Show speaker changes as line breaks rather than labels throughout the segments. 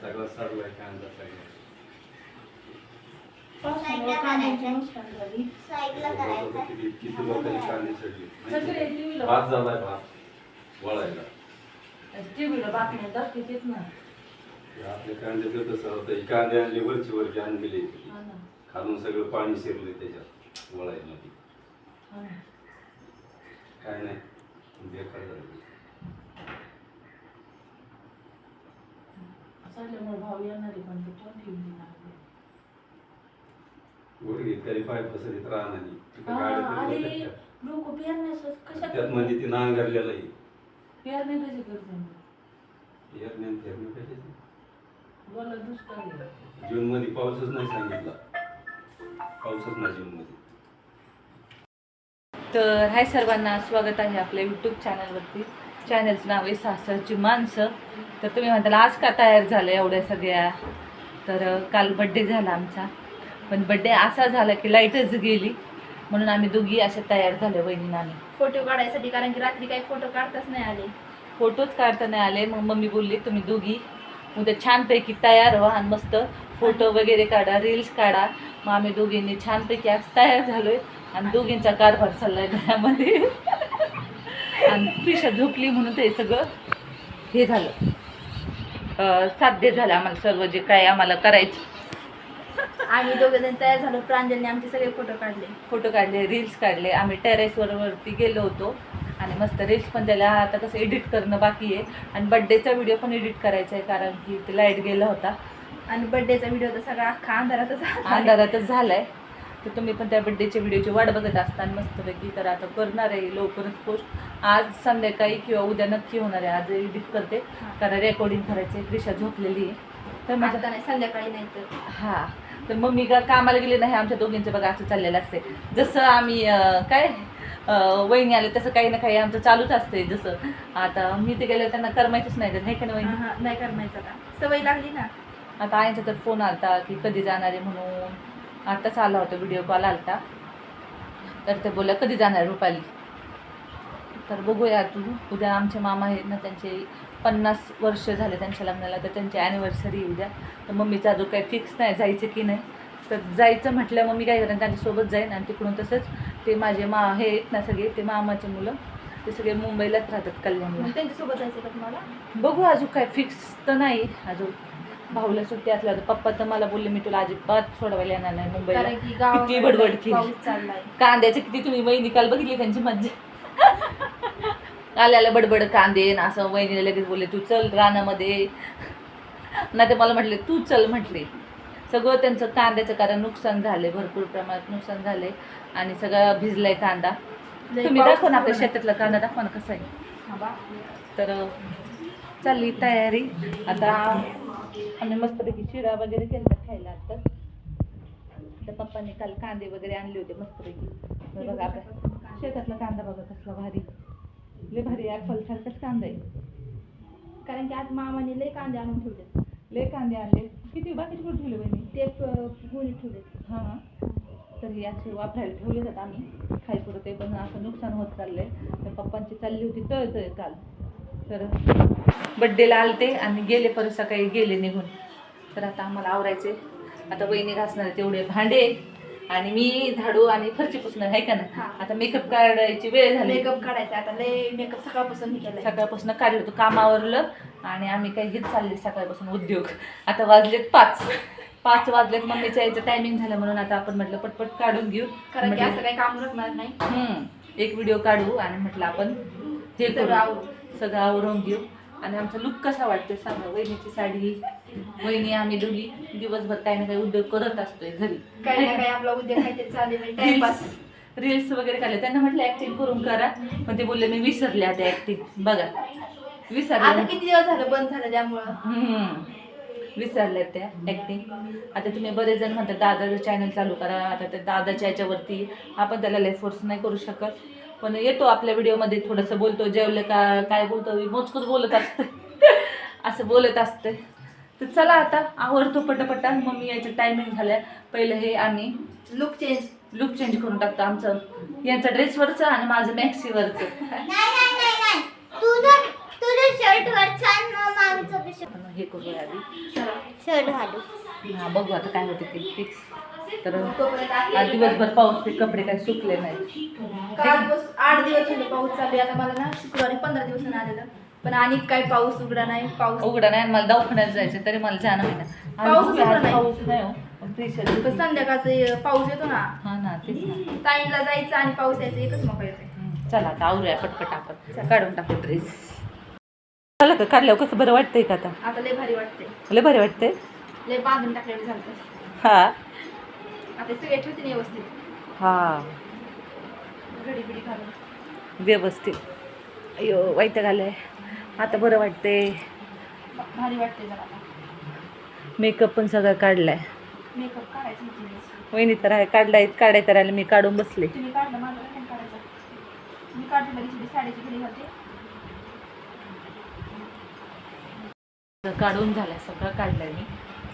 सगळं सरलाय कांदा सगळं. किती लोकांनी कांदे सडले. भात झालाय भात वळायला. आपल्या कांद्याचं तसं होतं. कांदे आणले वरची आणलेले खालून सगळं पाणी शिरले त्याच्यात वळायमध्ये. काय नाही बेकार झालं. गुडघे तरी पाय पसरीत राहणार त्यात मध्ये ती नांगरलेलं आहे. जून मध्ये पाऊसच नाही सांगितला. पाऊसच नाही जून मध्ये.
तर हाय सर्वांना, स्वागत आहे आपल्या यूट्यूब चॅनलवरती. चॅनलचं नाव आहे सासरची माणसं. तर तुम्ही म्हणताल आज का तयार झालं एवढ्या सगळ्या. तर काल बड्डे झाला आमचा, पण बड्डे असा झाला की लाईटच गेली, म्हणून आम्ही दोघी अशा तयार झाल्या वहिनीनं आम्ही
फोटो काढायसाठी. कारण की रात्री काही फोटो काढताच नाही आले,
फोटोच काढता नाही आले. मग मम्मी बोलली तुम्ही दोघी उद्या छानपैकी तयार व्हा आणि मस्त फोटो वगैरे काढा, रील्स काढा. मग आम्ही दोघींनी छानपैकी आज तयार झालोय आणि दोघींचा कारभार चाललाय घरामध्ये. आणि प्रिशा झोपली म्हणून ते सगळं हे झालं, साध्य झालं आम्हाला सर्व जे काय आम्हाला करायचं.
आम्ही दोघे जण तयार झालो. प्रांजलने आमचे सगळे फोटो काढले, रील्स काढले. आम्ही टेरेसवरती गेलो होतो आणि मस्त रील्स पण त्याला आता कसं एडिट करणं बाकी आहे. आणि बड्डेचा व्हिडिओ पण एडिट करायचा आहे, कारण की ते लाईट गेला होता आणि बड्डेचा व्हिडिओ तर सगळा अख्खा
अंधारातच झालाय. तर तुम्ही पण त्या बड्डेच्या व्हिडिओची वाट बघत असता मस्तपैकी. तर आता करणार आहे लवकरच पोस्ट. आज संध्याकाळी किंवा उद्या नक्की होणार आहे. आज एडिट करते कारण रेकॉर्डिंग करायचं आहे. प्रिशा झोपलेली आहे तर माझ्या
नाही, संध्याकाळी नाही तर
हां. तर मम्मी का कामाला गेले नाही. आमच्या दोघींचं बघा असं चाललेलं असते. जसं आम्ही काय वहिनी आले तसं काही ना काही आमचं चालूच असते. जसं आता मी ते गेले त्यांना करमायचंच नाही तर नाही का वहिनी.
नाही करमायचं का, सवय लागली ना.
आता आईचा तर फोन आलता की कधी जाणार आहे म्हणून. आताच आला होता, व्हिडिओ कॉल आलता. तर ते बोलल्या कधी जाणार रुपाली. तर बघूया तू उद्या आमचे मामा आहेत ना, त्यांचे 50 वर्ष झाले त्यांच्या लग्नाला. तर त्यांची ॲनिव्हर्सरी उद्या. तर मम्मीचा अजून काही फिक्स नाही जायचं की नाही. तर जायचं म्हटलं मम्मी काय करेन त्यांच्यासोबत जाईन. आणि तिकडून तसंच ते माझे हे आहेत ना सगळे, ते मामाचे मुलं ते सगळे मुंबईलाच राहतात, कल्याणला.
त्यांच्यासोबत जायचं का तुम्हाला?
बघू अजून काय फिक्स तर नाही अजून. भाऊला सुट्टी असल्या तर पप्पा तर मला बोलले मी तुला अजिबात सोडवायला येणार नाही मुंबईला. किती बडबड केली. कांद्याचे किती तुम्ही वहिनी काल बघितली त्यांची मज्जा. आल्याला बडबड कांदे ना असं. वहिनीला लगेच बोलले तू चल रानामध्ये. नाही ते मला म्हटले तू चल म्हटले. सगळं त्यांचं कांद्याचं कारण नुकसान झाले, भरपूर प्रमाणात नुकसान झाले आणि सगळं भिजलाय कांदा. तुम्ही दाखवा ना आपल्या शेतातला कांदा, दाखवा ना कसा आहे. तर चालली तयारी. आता आम्ही मस्तपैकी चिरा वगैरे केला खायला. आता तर पप्पांनी काल कांदे वगैरे आणले होते मस्तपैकी. बघा आपल्या शेतातला कांदा बघा कसला भारी, लय भारी ॲपल सारखाच कांदा आहे.
कारण की आज मामाने लय कांदे आणून ठेवले.
लय कांदे आणले. किती बाकीचे कुठे ठेवले बहिणी?
ते गुणी ठेवले.
हां. तर हे असे वापरायला ठेवले जातात आम्ही खायपुरं. ते पण असं नुकसान होत चाललंय. तर पप्पांची चालली होती तळतळ काल. तर बड्डेला आलते आणि गेले परत सकाळी गेले निघून. तर आता आम्हाला आवरायचे. आता वहिनी घासणार तेवढे भांडे आणि मी झाडू आणि फरची पुसणार आहे का ना. आता मेकअप काढायची वेळ झाली.
मेकअप काढायचा आता. लय मेकअप सकाळपासून हे केलं,
सकाळपासून काढलं होतं कामावरलं. आणि आम्ही काही घेत चालले सकाळपासून उद्योग. आता वाजलेत 5 वाजलेत. मम्मीचं यायचं टायमिंग झालं म्हणून आता आपण म्हटलं पटपट काढून घेऊ.
कारण की असं काही काम रखणार नाही.
एक व्हिडिओ काढू आणि म्हटलं आपण हे सगळं आवरून घेऊ. आणि आमचा लुक कसा वाटतोय सांगा. वहिनीची साडी, वहिनी आम्ही दोघी दिवसभर काही ना काही उद्योग करत असतोय घरी.
काही ना काही आपला उद्योग काहीतरी चालेल, टाइमपास.
रील्स वगैरे काढले. त्यांना म्हटलं ऍक्टिंग करून करा, पण ते बोलले मी विसरले आता ऍक्टिंग. बघा विसरले.
आता किती दिवस झालं बंद झालं त्यामुळं
विसरल्यात त्या ऍक्टिंग. आता तुम्ही बरेच जण म्हणतात दादाचं चॅनल चालू करा. आता त्या दादाच्या याच्यावरती आपण त्याला लय फोर्स नाही करू शकत, पण येतो आपल्या व्हिडिओमध्ये थोडंसं बोलतो. जेवलं का काय बोलतो मोजकूच बोलत असतं. असं बोलत असतं. तर चला आता आवडतो पटापटा. मम्मी यायचं टायमिंग झालं. पहिलं हे आम्ही लुक चेंज करून टाकतो. आमचं यांचं ड्रेसवरचं आणि माझं मॅक्सीवरचं.
तुझं शर्ट वर छान, मग आमचं
हे करूया आधी.
शर्ट घालू.
हा बघू आता काय होते ते फिक्स. तर आज दिवसभर पाऊस, ते कपडे काही सुकले नाही.
काल 8 दिवस झाले पाऊस चालू आहे. आता मला ना शुक्रवारी 15 दिवसानं आलेलं, पण आणि काही पाऊस उघडा नाही. पाऊस
उघडा नाही आणि मला दवाखान्यात जायचं तरी मला जाणं होईना.
पाऊसच उघडा नाही.
पाऊस नाही हो, पण प्रेशर.
पण संध्याकाळचा पाऊस येतो ना,
हा ना तेच ना.
ताईंला जायचं आणि पाऊस यायचं एकच मका येते.
चला आता आवरूया पटपट, आपण काढून टाकू ड्रेस. झालं का काढल्यावर कसं बरं वाटतंय का आता?
आता लय भारी वाटते,
लय बरं वाटतंय.
लय बांधून टाकलेलं झालं.
हा
आता सगळे ठेवते ना व्यवस्थित,
हा
घडी बिडी घालून
व्यवस्थित. अयो वाईट घालंय. आता बरं वाटतंय.
भारी वाटते जरा. आता
मेकअप पण सगळं काढलाय.
मेकअप काढायचं नाही.
वहिनी तर आहे काढाय तर आले, मी काढून बसले.
तुम्ही काढलं, माझं पण काढायचं. मी काढते लगेच साडीची घडी घालते.
काढून झालाय, सगळं काढलंय मी.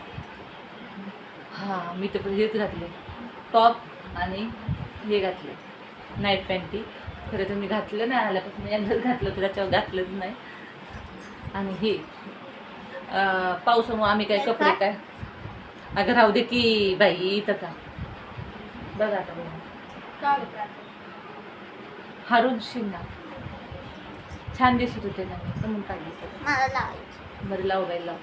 हां मी तर हेच घातले, टॉप आणि हे घातले नाईट पॅन्टी. खरं तर मी घातलं नाही, आल्यापासून एकदाच घातलं होतं, त्याच्यावर घातलंच नाही. आणि हे पावसामुळे आम्ही काय कपडे काय, अगं राहू दे की बाई इथं का बघा आता बघा.
का गं प्रार्थना?
हारून शिंगा छान दिसत होते ना, म्हणून काढली.
मला लावायचं.
बरं लाव बाई लाव.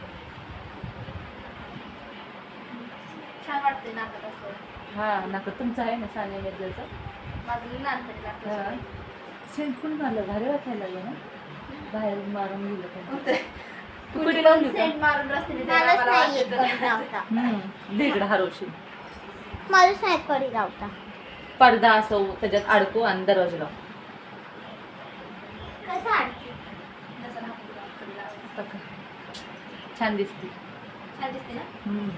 छान वाटते नाटक असतं.
हां नाका तुमचं आहे ना सान्या मिर्जाचं.
माझं लई लहानपणी लागतं.
सेंट पण मारलं, भारी वाटायला लागलं ना. बाहेर मारून गेलं पण. तू
कुणी
कुठे
पण
लावली का?
सेंट मारून रस्त्याने जायला मला वास येतो.
इकडं हारोशी
माझं नाही कडी लावता.
पडदा असो त्याच्यात अडकू आणि दरवाजा लाव.
कसं आणते? जसं राहतो कडी लावायचं.
तका. छान दिसते.
छान दिसते ना.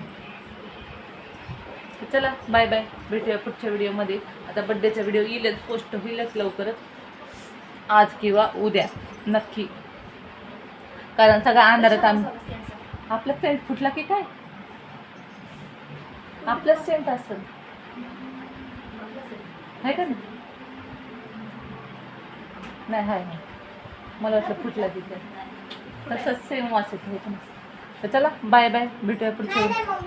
तर चला बाय बाय, भेटूया पुढच्या व्हिडिओमध्ये. आता बड्डेचा व्हिडिओ येईलच, पोस्ट होईलच लवकरच, आज किंवा उद्या नक्की. कारण सगळा अंधारात आम्ही. आपला सेंट फुटला की काय? आपलंच सेंट असेल, आहे का नाही? हाय नाही, मला वाटलं फुटला तिथे. तसंच सेम वास येतो, हे पण. तर चला बाय बाय, भेटूया पुढच्या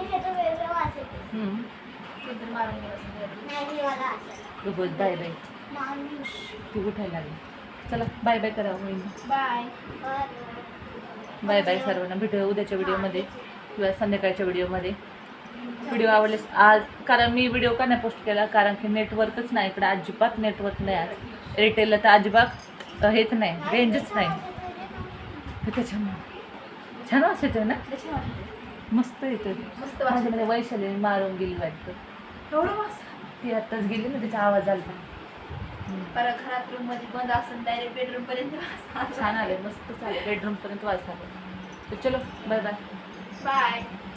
बाय बाय. ती उठायला लागली. चला बाय बाय करा.
बाय
बाय बाय सर्वांना. भेटूया उद्याच्या व्हिडिओमध्ये किंवा संध्याकाळच्या व्हिडिओमध्ये. व्हिडिओ आवडलेस आज, कारण मी व्हिडिओ का नाही पोस्ट केला, कारण की नेटवर्कच नाही इकडं, अजिबात नेटवर्क नाही. आज एअरटेलला तर अजिबात हेच नाही, रेंजच नाही. त्याच्यामुळे छान वास येतोय ना, मस्त येतोय.
मस्त
माझ्यामध्ये वैशाली मारून गेली वाटतं.
एवढं वास.
ती आत्ताच गेली ना, तिचा आवाज आला.
परत घरात रूम मध्ये बंद असून डायरेक्ट बेडरूम पर्यंत वास.
छान आले, मस्त चालेल. बेडरूम पर्यंत वाजता. तर चलो बाय बाय.
बाय.